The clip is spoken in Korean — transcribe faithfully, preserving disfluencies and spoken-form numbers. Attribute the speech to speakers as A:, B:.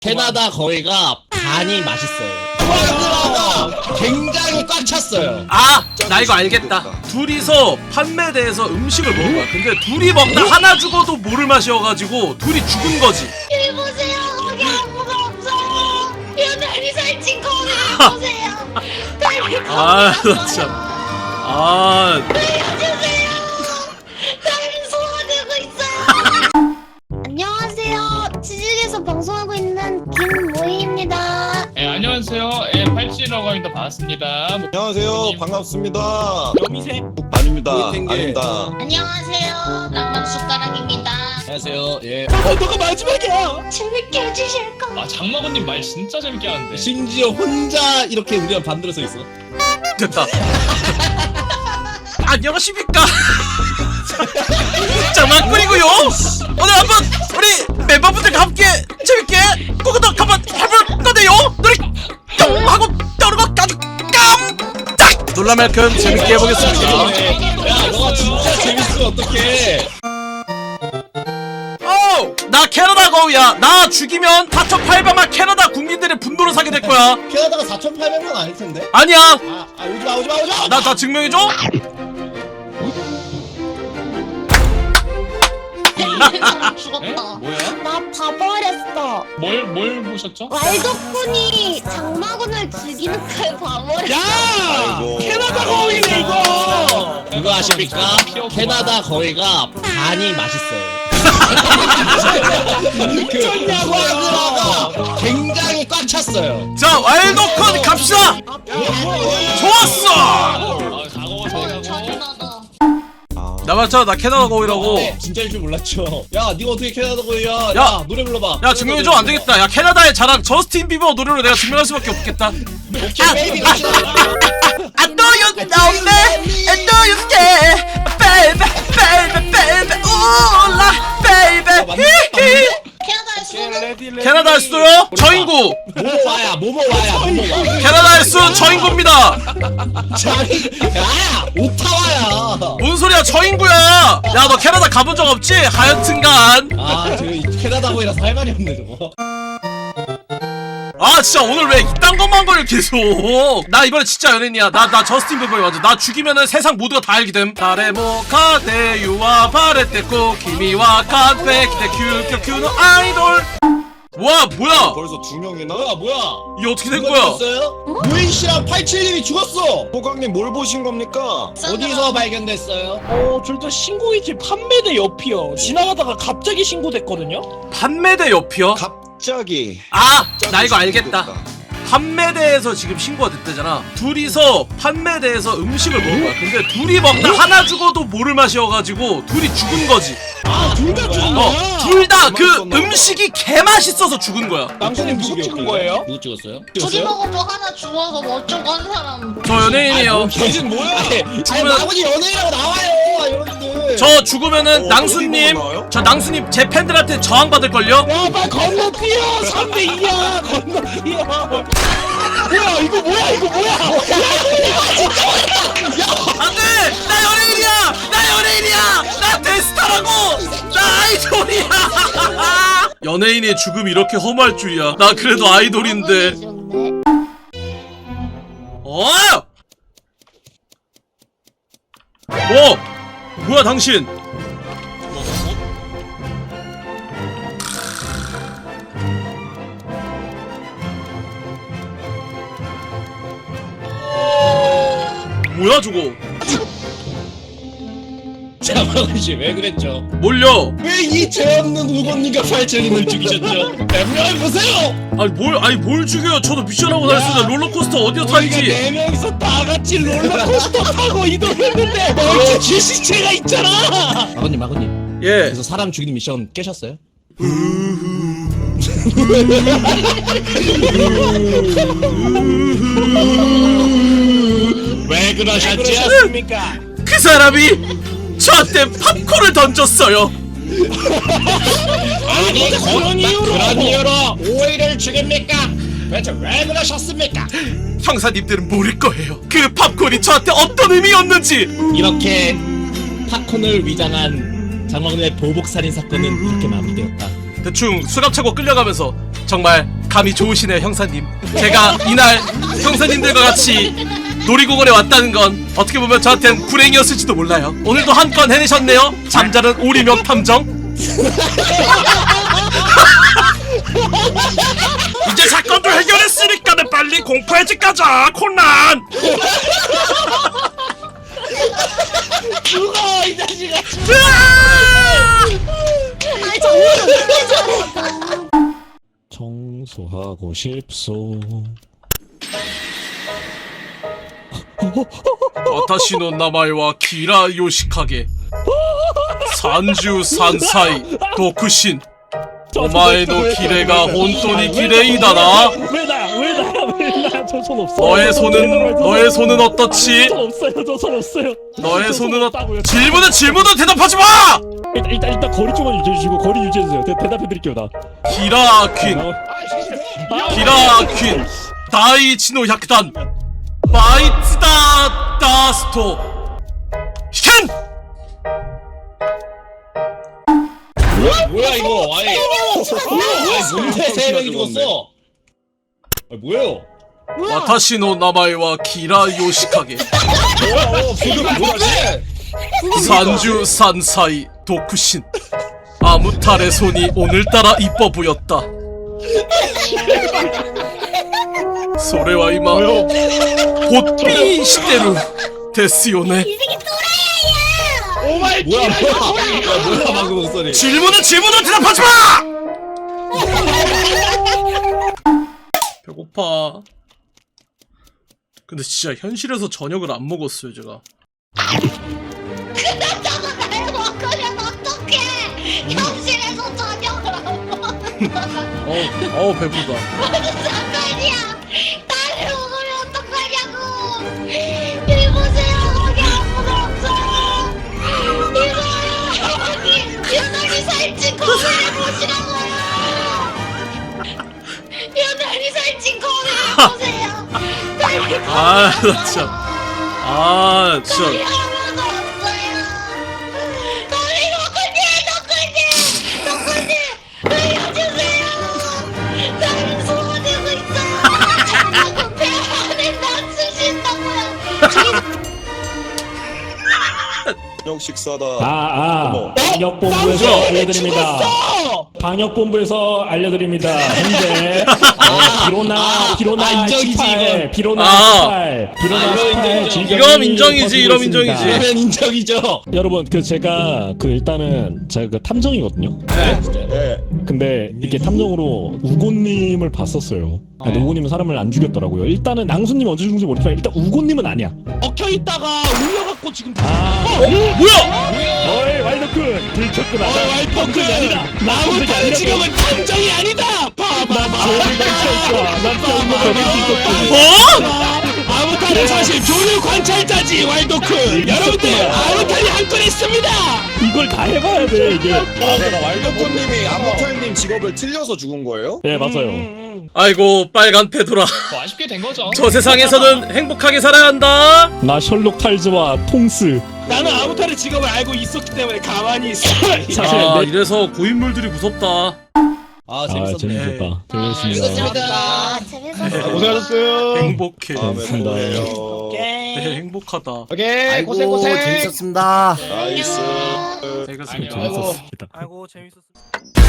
A: 캐나다 거위가 간이 맛있어요. 포아그라가 굉장히 꽉 찼어요.
B: 아! 나 이거 알겠다. 둘이서 판매대에서 음식을 먹은 거야. 근데 둘이 먹다 하나 죽어도 모를 맛이어가지고 둘이 죽은 거지.
C: 여기 보세요. 거기 아무도 없어요. 이 달리 살찐 거기 보세요. 달리
B: 아,
C: 거기
B: 나 참. 아,
C: 살려주세요. 달리 소화되고 있어요. 안녕하세요. 지직에서 방송하고 있는 김모희입니다.
D: 예, 안녕하세요. 예, 팔찌라고 합니다. 반갑습니다.
E: 안녕하세요. 반갑습니다.
D: 여미새?
E: 아닙니다.
A: 모이탱게.
E: 아닙니다.
C: 안녕하세요. 랑랑 숟가락입니다.
A: 안녕하세요. 예.
D: 어, 너가 마지막이야!
C: 재밌게 해주실 거.
D: 아, 장마건님 말 진짜 재밌게 하는데.
A: 심지어 혼자 이렇게 우리가 반대로 서 있어.
B: 됐다. 안녕하십니까? 장난꾸리고요. 오늘 한번 우리 멤버분들과 함께 재밌게 꾸꾸덕 한번 해볼 건데요. 노래 뿅 하고 떠오르고 아주 깜짝 놀랄 만큼 재밌게 해보겠습니다.
A: 야, 너가 진짜 재밌으면 어떡해.
B: 오! 나 캐나다 거위야. 나 죽이면 사천팔백만 캐나다 국민들의 분노를 사게 될 거야.
A: 캐나다가 사천팔백 명 아닐 텐데.
B: 아니야.
A: 아, 아 오지마 오지마 오지마.
B: 나 다 증명해줘.
C: 사람
D: 예?
C: 죽었다.
D: 뭐야?
C: 나 봐버렸어.
D: 뭘, 뭘 보셨죠?
C: 왈도쿤이 장마군을 죽이는 걸 봐버렸어.
E: 아이고.
D: 캐나다 거위네, 이거!
A: 그거 아십니까? 캐나다 거위가 간이 맛있어요. 그 포아그라가 굉장히 꽉 찼어요.
B: 자, 와일드콘 갑시다. 좋았어.
D: 아, 가고,
C: 어,
D: 잘 가고.
C: 잔인하다.
B: 나 맞잖아. 나 캐나다 거위라고.
A: 네, 진짜일 줄 몰랐죠. 야, 네가 어떻게 캐나다 거위야? 야,
B: 야,
A: 노래 불러봐.
B: 야, 증명해줘. 안 되겠다. 야, 캐나다의 자랑 저스틴 비버 노래로 내가 증명할 수밖에 없겠다.
A: 오케이, 베이비 갑시다.
B: I know you know me, I know you care, baby, baby, baby, ooh, baby. 히히.
C: 캐나다의 수는
B: 캐나다의 수도요? 저 인구.
A: 모모와야, 모모와야, 모모와.
B: 캐나다의 수 저 인구입니다.
A: 자기, 야, 오타와야.
B: 뭔 소리야? 저 인구야. 야, 너 캐나다 가본 적 없지? 하여튼간.
A: 아, 저 캐나다 거위라서 할 말이 없네 저거.
B: 아, 진짜 오늘 왜 이딴 것만 걸려 계속. 나 이번에 진짜 연예인이야. 나 나 저스틴 비버에 맞아. 나 죽이면은 세상 모두가 다 알게 됨. 다레모 카데 유와 바레테코 키미와 카페 키데 큐큐 큐노 아이돌. 와, 뭐야?
E: 벌써 두 명이나?
A: 뭐야, 뭐야?
B: 이게 어떻게 된
A: 누가
B: 거야?
A: 죽었어요? 무인 씨랑 팔칠님이 죽었어.
E: 호강님 뭘 보신 겁니까?
A: 어디서 발견됐어요?
F: 어, 저 일단 신고이지 판매대 옆이요. 지나가다가 갑자기 신고됐거든요.
B: 판매대 옆이요?
E: 갑자기.
B: 아, 나 이거
E: 갑자기
B: 알겠다.
E: 신고됐다.
B: 판매대에서 지금 신고가 됐대잖아. 둘이서 판매대에서 음식을 먹은 거야. 근데 둘이 먹다 하나 죽어도 모를 맛이어가지고 둘이 죽은 거지.
F: 아, 둘 다 죽은
B: 어,
F: 거야.
B: 둘 다 그
E: 맛있었나 봐.
B: 음식이 개 맛있어서 죽은 거야.
F: 남편님 누구 찍은 거예요?
A: 누구 찍었어요?
C: 둘이 먹어도 하나 죽어서 뭐 어쩌고 한 사람.
B: 저 연예인이에요.
A: 걔는 뭐야? 아니,
B: 죽으면-
A: 아버지 연예인이라고 나와요, 여러분들.
B: 저 죽으면은
E: 어,
B: 낭수님,
E: 어디 나와요?
B: 저 낭수님 제 팬들한테 저항 받을걸요?
F: 야, 빨리 건너뛰어. 삼 대 이야. 건너뛰어. 뭐야, 이거 뭐야, 이거 뭐야.
B: 안돼! 나 연예인이야! 나 연예인이야! 나 대스타라고! 나 아이돌이야! 연예인의 죽음 이렇게 험할 줄이야. 나 그래도 아이돌인데. 어! 어! 뭐야 당신? 뭐야 저거?
A: 자방은 씨왜 그랬죠?
B: 뭘요?
A: 왜 이 죄 없는 우건님과 팔칠님을 죽이셨죠? 변명해 보세요.
B: 아니 뭘 아니 뭘 죽여요? 저도 미션하고 다녔어요. 롤러코스터 어디서
F: 우리가
B: 타는지.
F: 네 명이서 다 같이 롤러코스터 타고 이동했는데 멀쩡히 시체가 있잖아.
A: 아버님, 아버님.
B: 예.
A: 그래서 사람 죽이는 미션 깨셨어요?
F: 왜 그러셨지 않습니까?
B: 그 사람이 저한테 팝콘을 던졌어요.
F: 아니, 그런 이유로.
A: 그런 이유로 오이를 죽입니까? 대체 왜 그러셨습니까?
B: 형사님들은 모를 거예요. 그 팝콘이 저한테 어떤 의미였는지.
A: 이렇게 팝콘을 위장한 장원의 보복살인 사건은 이렇게 마무리되었다.
B: 대충 수갑 차고 끌려가면서 정말 감이 좋으시네요 형사님. 제가 이날 형사님들과 같이 놀이공원에 왔다는 건 어떻게 보면 저한텐 불행이었을지도 몰라요. 오늘도 한 건 해내셨네요. 잠자는 오리명 탐정. 이제 사건도 해결했으니까는 빨리 공포의 집 가자 코난.
F: 죽어 이 자식아.
C: 아 정말 이렇게 잘했다.
F: 청소하고 싶소.
B: 와타시노 나마이와 키라 요시카게 산주 산사이 도쿠신 오마에노 기레가 혼돈이 기레이다나.
F: 왜 나야 왜 나야 왜 나야 저 손 없어.
B: 너의 손은 너의 손은 어떻지?
F: 손 없어요 저 손 없어요.
B: 너의
F: 저
B: 손은 어...
F: 없다고요.
B: 질문은 질문은 대답하지 마!
F: 일단 일단 일단 거리 좀만 유지해 주시고 거리 유지해 주세요. 대, 대답해 드릴게요 나.
B: 기라 퀸 기라 퀸 다이치노 약단 마이츠다 다스토 현!
D: 뭐야 이거? 아니, 아니 뭔데 세 명이 죽었어? 아 뭐예요?
B: 와타시노 나마이와 기라 요시카게
D: 어, 지금 뭐지?
B: 산주 산사이 도쿠신 아무탈의 손이 오늘따라 이뻐 보였다. 소레와 이마 보삐 시대루 데스요네.
C: 이 새끼 또라이야.
F: 오마이
D: 뭐야 뭐야? 야, 뭐야 방금 목소리?
B: 질문은 질문은 대답하지 마! 배고파. 근데 진짜 현실에서 저녁을 안 먹었어요 제가.
C: 그렇다고 날 먹으면 어떡해. 현실에서 저녁을 안 먹어.
B: 어우 어우 배부르다.
C: 무슨 상관이야. 나를 먹으면 어떡하냐고. 이 보세요. 거기 아무도 없어요. 이거요. 여기 유난히 살찐 거미를 보시라고요. 유난히 살찐 거미를 보세요. 빨리
B: 아 나 진짜 아 진짜
C: 거미 아무도 없어요. 거미 덕후님, 덕후님, 덕후님, 알려주세요. 나를 소원하고 있어요. 자꾸 배 안에 낮추신다고요.
E: 저녁 식사다.
F: 아아
E: 어머.
F: 방역본부에서
B: 어?
F: 알려드립니다. 방역본부에서 알려드립니다. 현재 어, 비로나 비로나
D: 아, 인정이지,
F: 십팔,
D: 이건.
F: 비로나
B: 아.
F: 십팔, 비로나
D: 아, 이거
F: 십팔
D: 인정.
F: 질병이
B: 이건 인정이지,
F: 퍼지고
B: 이런
F: 있습니다.
B: 인정이지.
D: 그러면 인정이죠.
F: 여러분 그 제가 그 일단은 제가 그 탐정이거든요.
E: 네.
F: 근데 이게 탐정으로 우고님을 봤었어요. 아, 근데 우고님은 사람을 안 죽였더라고요. 일단은 낭수님 언제 죽은지 모르겠지만 일단 우고님은 아니야.
D: 엉켜 있다가 울려갖고 지금.
F: 아,
B: 어? 뭐야?
F: 어이 왈더쿤 들켰구나.
D: 어, 왈더쿤.
F: 아니다.
D: 나무탈
F: 아니라.
D: 지금은 탐정이 아니다.
F: 난
D: 봐봐봐.
F: 조용히 있어. 난 조용히 있어.
B: 어?
D: 아무탈은 사실 조류 관찰자지 왈도쿤. 여러분들 아무탈이 한 건 있습니다.
F: 이걸 다 해봐야 돼 이게.
E: 왈도코님이 아무탈님 직업을 틀려서 죽은 거예요?
F: 네 맞아요.
B: 아이고 빨간 페도라.
D: 뭐 아쉽게 된 거죠.
B: 저 세상에서는 행복하게 살아야 한다.
F: 나 셜록 탈즈와 통스.
D: 나는 아무탈의 직업을 알고 있었기 때문에 가만히 있어.
F: 사실
B: 아
F: 내-
B: 이래서 고인물들이 무섭다.
D: 아
F: 아 재밌었다. 재밌었습니다.
C: 아, 재밌었어.
D: 고생하셨어요.
B: 행복해.
E: 다음에
F: 알겠습니다.
E: 또 봬요.
B: 네, 행복하다.
D: 오케이 고생 고생.
G: 재밌었습니다.
E: 나이스.
B: 알겠습니다.
D: 안녕.
F: 재밌었습니다.
G: 아이고 재밌었습니다.